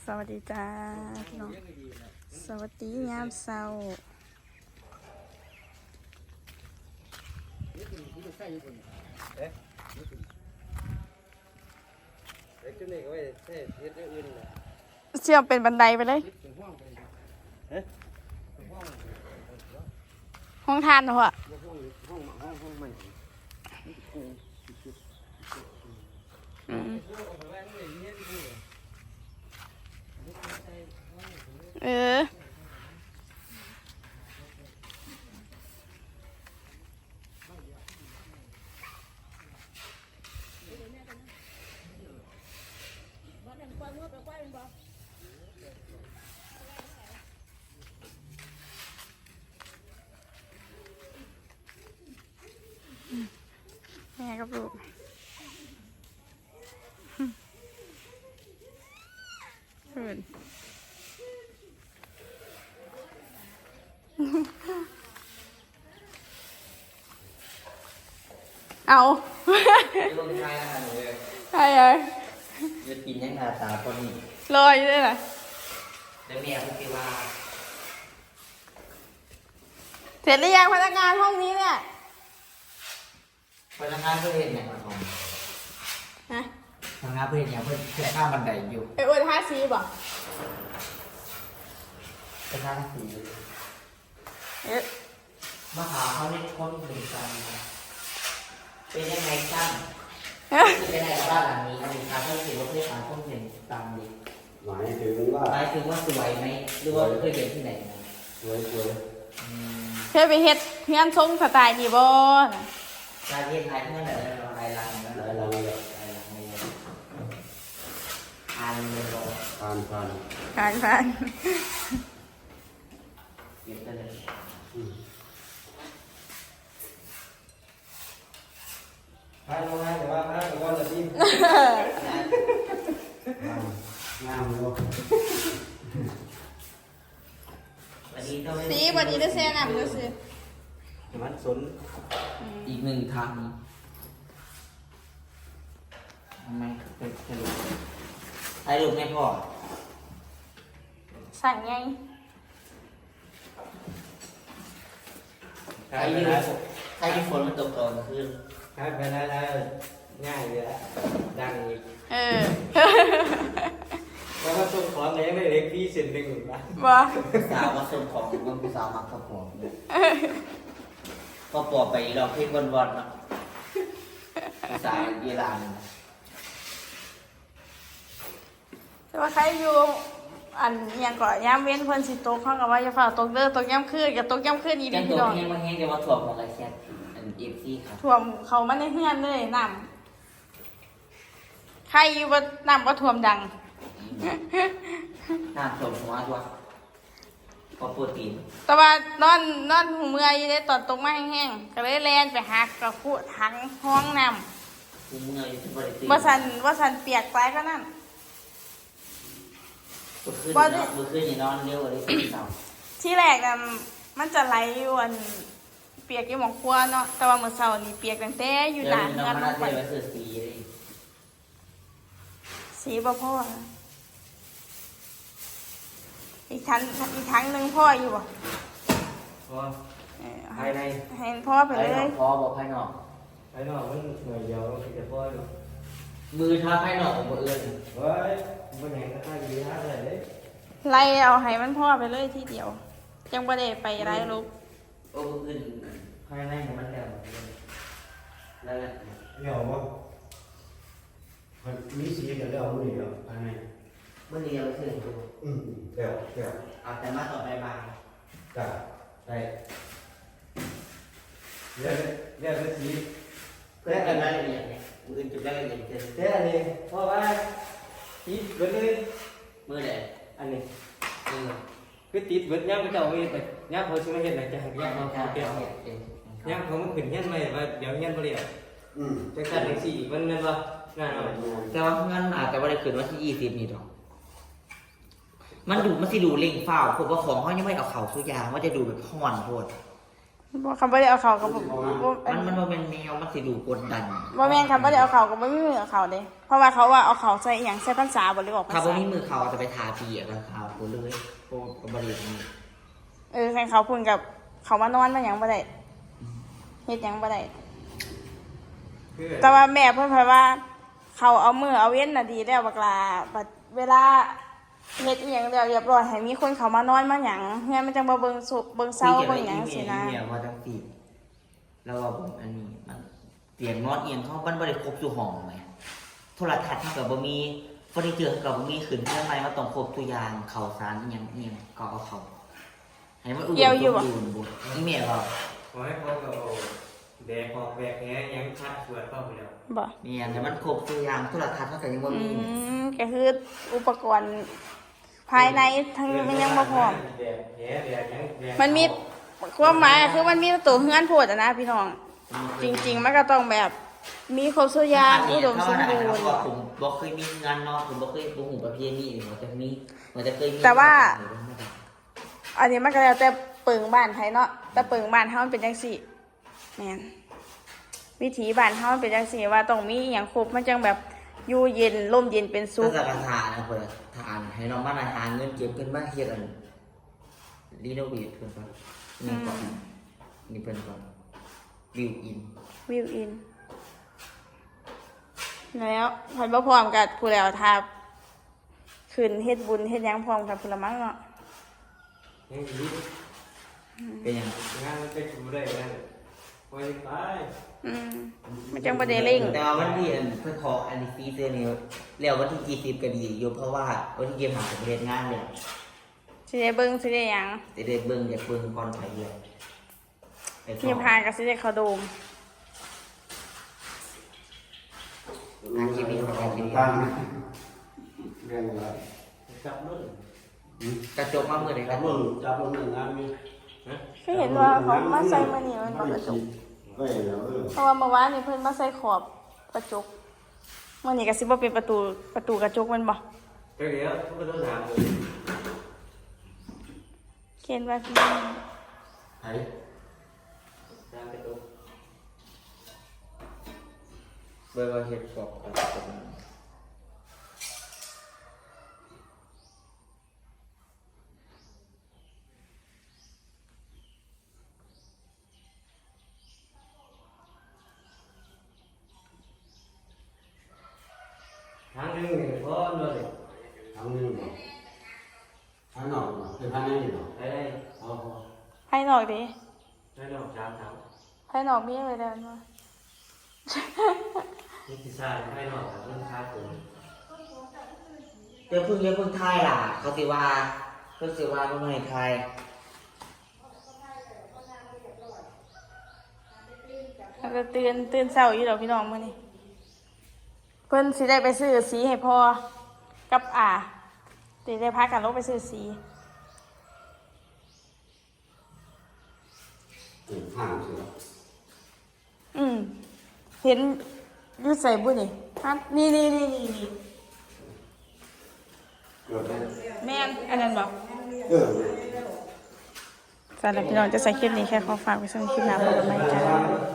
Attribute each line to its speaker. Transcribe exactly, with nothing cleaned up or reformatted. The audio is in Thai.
Speaker 1: สวัสดีจ้าพี่น้องสวัสดียามเช้าเชื่อมเป็นบันไดไปเลยห้องทานเหรออืมเออแม่กับลูกเพื่อนเอาใช่เลย
Speaker 2: จะกินยังไงตาคนนี้
Speaker 1: ลอยด้วยเหรอ
Speaker 2: เดี๋ยวเมียพูดว่า
Speaker 1: เสร็จหรือยังพนักงานห้องนี้เนี่ย
Speaker 2: พนักงานเพื่อนเห็นอย่างไรของ
Speaker 1: ฮะ
Speaker 2: พนักงานเพื่อนอย่างเพื่อนแค่ข้ามบันไดอยู่
Speaker 1: ไอ้อ้วนท่าซีบ่
Speaker 2: เป็นท่าสี
Speaker 1: เอ๊ะ
Speaker 2: มาหาเขาในคนหนึ่งกันเป็นยังไงกันเป็นยังไงบ้านหลังนี้อันนี้ครับถ้าถือว่าเพื่อนหาคนหนึ่งตามดี
Speaker 3: หมายถึงว่า
Speaker 2: หมายถึงว่าสวยไหมหรือว่าเคยเห็นที่ไหน
Speaker 3: สวยสวย
Speaker 1: เคยไปเฮ็ดเฮียนทรงสไตล์นี่บ่
Speaker 2: การเรียนไทยเพื่อนอะไรอะไรลังนะ
Speaker 3: อะไรลังเลย
Speaker 2: อะไรลังเลยอ่านเลยบอก
Speaker 3: ผ่านผ่าน
Speaker 1: ผ่านผ่าน
Speaker 2: เก็บไปเลย
Speaker 3: ผ่านมาแต่ว่าผ่านแต่ว่าจะดิ้นงามเลย
Speaker 1: สีวันนี้ได้แซ่น้ำด้วยสิ
Speaker 3: มันสน
Speaker 2: อีกหนึ่งทางทำไมเป็นสรุปไอ้ลูกไม่พอ
Speaker 1: สั่งไง
Speaker 2: ใครยืนใครยืนฝนมันตกก่อนคืน
Speaker 3: ใครไปได้ได้ง่ายเลยละดังอีก
Speaker 1: เออ
Speaker 3: เพราะว่าส่งของเลยไม่เล็กพี่เส้นหนึ่งนะ
Speaker 1: ว่า
Speaker 2: สาวมาส่งของมันเป็นสาวมักกระป๋องก็ปอไปเราเพ่งวันวันนะสายเยลาน
Speaker 1: แต่ว่าใครอยู่อันยังก่อนย้ำเว้นเพิ่นสิตกเขากับว่าจะฝ่าตกเด้อตกย้ำคืนกับตกย้ำคืนอีดี
Speaker 2: พี่น้องยังมาแห้งจะมาถ่วงของอะไรแค่อันเอฟซีครับ
Speaker 1: ถ่วงเขามาในเฮือนเลยน้ำใครอยู่บ่น้ำบ่ถ่วมดัง
Speaker 2: น้ำถ่วงหัวตัวพอโปรตีน
Speaker 1: แต่ว่านอนนอนหูเมื่อยได้ตอนตกมาแห้งๆก็เลยแล่นไปหักกระพุถังห้องน้
Speaker 2: ำหูเมื่อยที่บริสุทธิ์
Speaker 1: ว่าสันว่าสันเปียกไปก็นั่น
Speaker 2: มือขึ้นเนาะมือขึ้นอย่านอนเร็วเลยที่เสา
Speaker 1: ที่แรกน่ะมันจะไหลอยู่อันเปียกอยู่หมองครัวเนาะแต่ว่ามื้อเช้านี่เปียกตั้งแต่อยู่หน้าเฮือนลงไปสีบ่พออีกทั้งอีกทั้งนึงพ่ออยู่บ่
Speaker 3: พอภายใน
Speaker 1: เห็นพ่อไปเลย
Speaker 2: พ่อบอกภายนอก
Speaker 3: ภายนอกมันหน่วยเดียวมันจะพ่ออยู่
Speaker 2: มือท้าภายนอกของมืออื่น
Speaker 3: เฮ้ยมันแหงก็ท่าดีท่าอะไรเลย
Speaker 1: ไล่เอาให้มันพ่อไปเลยทีเดียวจังบ่ได้ไปไล่ลูก
Speaker 2: โอ้มืออื่นภายในมันแล้วแล้ว
Speaker 3: เดี๋ยวว่ามีสีเดี๋ยวเดี๋ยวมือเดียวภายใน
Speaker 2: มือเดียวคือ
Speaker 3: อืมเดี๋ยวเดี๋ยว
Speaker 2: เอาแต่มาต่อไปบาง
Speaker 3: จ้ะได้เดี๋ยวเดี๋ยวเป็นสี
Speaker 2: เพื่อกันรายละเอียดเนี่ยมืออื่นจุดรายละเอียดเกิน
Speaker 3: เดี๋ยวอันนี้เพราะว่าติดเบิดเลย
Speaker 2: มือไหน
Speaker 3: อันนี้
Speaker 2: เออ
Speaker 3: คือติดเบิดย่างไปเจ้าไปไปย่างเขาชิมาเห็นอะไรจะหักย่างเขาเกี่ยวย่างเขามันขึ้นย่างไม่ว่าเดี๋ยวย่างเปลี่ยนอืมจังสันจังสี่มันนั่นว่างานอะไร
Speaker 2: แต่ว่างั้นอาจจะว่าได้ขึ้นวันที่ยี่สิบนี่หรอกมันดูมันสิดูเล่งเฝ้าผมว่าของเขายังไม่เอาเข่าสุยางว่าจะดูแบบห่อนโพด
Speaker 1: บ่คำบ่ได้เอาเขาก็บ่บ่
Speaker 2: มันมันบ่เป็นแนวมันสิดูกดดัน
Speaker 1: บ่แม่นคำบ่ได้เอาเขาก็บ่มีมือเอาเขาเด้เพราะว่าเขาว่าเอาเขาใส่อีหยังใส่พรรษาบ่หรือออกพรร
Speaker 2: ถ้าบ่
Speaker 1: ษา
Speaker 2: มีมือเขาจะไปทาปีอ่ะก็ขาวกูเลยโอ้ก็บ่ได้นี่
Speaker 1: เออใครเขาพุ่นกับเขามานอนมาหยังบ่ได้เฮ็ดหยังบ่ได้
Speaker 3: คือ
Speaker 1: แต่ว่าแม่เพิ่นพาว่า เขาเอามือเอาเว้นน่ะดีแล้วบักลาบัดเวลาเฮ็ดอีหยังแล้วเรียบร้อยให้มีคนเขามานอนมาหยังเฮือนมันจังบ่เบิ่งสุเบิ่งเซาเบิ่งหยังสินะ
Speaker 2: เนี่ยว่าจังซี่แล้วว่าผมอันนี้มันเตียงนอนเอียงเขามันบ่ได้ครบทุกห้องแหมโทรทัศน์เขาก็บ่มีเฟอร์นิเจอร์เขาก็บ่มีขึ้นเพื่อนใหม่มันต้องครบทุกอย่างข้าวสารอีหยังอีหยังก็เอาเข้าให้มันอุดมสมบูรณ์บ่อีแม่ว่า
Speaker 3: ขอให้เขาก็เอาแบกออกแบกแหยังชัดสวดเข้าไปแล้ว
Speaker 1: บ่
Speaker 2: เนี่ยแต่มันครบทุกอย่างโทรทัศน์เขาก็ยังบ่
Speaker 1: อื
Speaker 2: มี
Speaker 1: มก็คืออุปกรณ์ภายในทั้งมันยังบ่พร้อม
Speaker 3: แบกแหแบกหยังแบก
Speaker 1: มันมีความหมายคือมันมีตัวเฮือนโพดอะนะพี่น้อง จริง ๆ มันก็ต้องแบบมีครบทุกอย่างอุดมสมบูรณ์
Speaker 2: ผมบ่เคยมีงานนอนผมบ่เคยบ่ฮู้ประเพณีนี่มันจะมีมันจะเคยมี
Speaker 1: แต่ว่า อันนี้มันก็แล้วแต่เปิงบ้านไผเนาะแต่เปิงบ้านเฮามันเป็นจังซี่แม่นวิถีบ้านเฮามันเป็นจังซี่ว่าต้องมีอหย่างครบมันจังแบบอยู่เย็นร่มเย็นเป็นสุ
Speaker 2: สุ
Speaker 1: ข
Speaker 2: ขกทานนะเพิ่นทานให้น้องมาหาเงินเก็บเพิ่นมาเฮ็ดอันรีโนเวทเพิ่นก่อนนี่ก่อนนี่เพิ่นก่อนบิวอิน
Speaker 1: วิวอิน แล้วพอยบ่พร้อมกับผู้แล้วถ้าขึ้นเฮ็ดบุญเฮ็ดหยังพร้อมกับผู้ละมั้งเนาะ
Speaker 3: ยังดี
Speaker 2: เป็นหยัง
Speaker 3: งานมันเป็นกูได้แล้วไปไป
Speaker 1: อืมมันจังบ่ได้เร่ง
Speaker 2: แต่ว่าวันที่อันเพิ่นขออันนี้ฟรีเซอร์นี่แล้ววันที่ยี่สิบก็ดีอยู่เพราะว่าวันที่ยี่สิบห้าจะไปเฮ็ดงานแล้ว
Speaker 1: สิได้เบิ่งสิได้หยัง
Speaker 2: สิได้เบิ่งอยากเบิ่งก่อนไปเรื่อยไปสอบ
Speaker 1: ที่พานก็สิได้เข้าโดม
Speaker 2: งานคลิปนี้ของเราคลิปนี้
Speaker 4: ตั้งเรื่องอะไร
Speaker 3: จับรุ่น
Speaker 2: กระจกมามื้อใดค
Speaker 4: จั
Speaker 2: รั
Speaker 4: บบ ลงจับลงหนึ่งงานมี
Speaker 1: คือเห็นว่าเขามาใส่มื้อนี้มันบ่กระจก
Speaker 4: ก็เห็นแล้วเออ
Speaker 1: เพราะว่าเมื่อวานนี่เพิ่นมาใส่ขอบกระจกมื้อนี้ก็สิบ่เป็นประตูประตูกระจกแมันบ่
Speaker 3: ไปเดี๋ยวทุกคนต้องถามเลย
Speaker 1: เขียนว่าพี่
Speaker 2: ไผ
Speaker 3: ถามไปตัว
Speaker 2: เบิ่งว่าเฮ็ดขอบกระจก
Speaker 3: ทางหนึงนี่พอเลย
Speaker 4: ทางนี้เนาะทางนอกเนาะเป็นทางนี้เนาะ
Speaker 3: ไปได้
Speaker 4: เอาพอ
Speaker 1: ภายนอกดิ
Speaker 3: ได้ดอกสามสาม
Speaker 1: ภายนอกมีอะไรเด้อเนาะ
Speaker 3: นี่คือซาไม่นอกแต่เรื่องค่าตัว
Speaker 2: เดี๋ยวเพิ่งเดี๋ยวเพิ่งทายล่ะเขาสิว่าเพิ่นสิว่าเพิ่นให้ทาย
Speaker 1: แล้วก็ตื่นตื่นเช้าอยู่ดอกพี่น้องมื้อนี้เพิ่นสิได้ไปซื้อสีให้พ่อกับอาสิได้พากันลงไปซื้อสี
Speaker 4: เก็บห่างเสีย
Speaker 1: อืมเห็นอยู่ใส่บุนี่ฮะนี่นี่นี่นี่นี่
Speaker 4: เกิดได้
Speaker 1: แม่นอันนั้นบอก
Speaker 4: เออ
Speaker 1: สำหรับพี่น้องจะใส่คลิปนี้แค่ขอฝากไว้สำหรับคลิปหน้าพบกันใหม่จ้า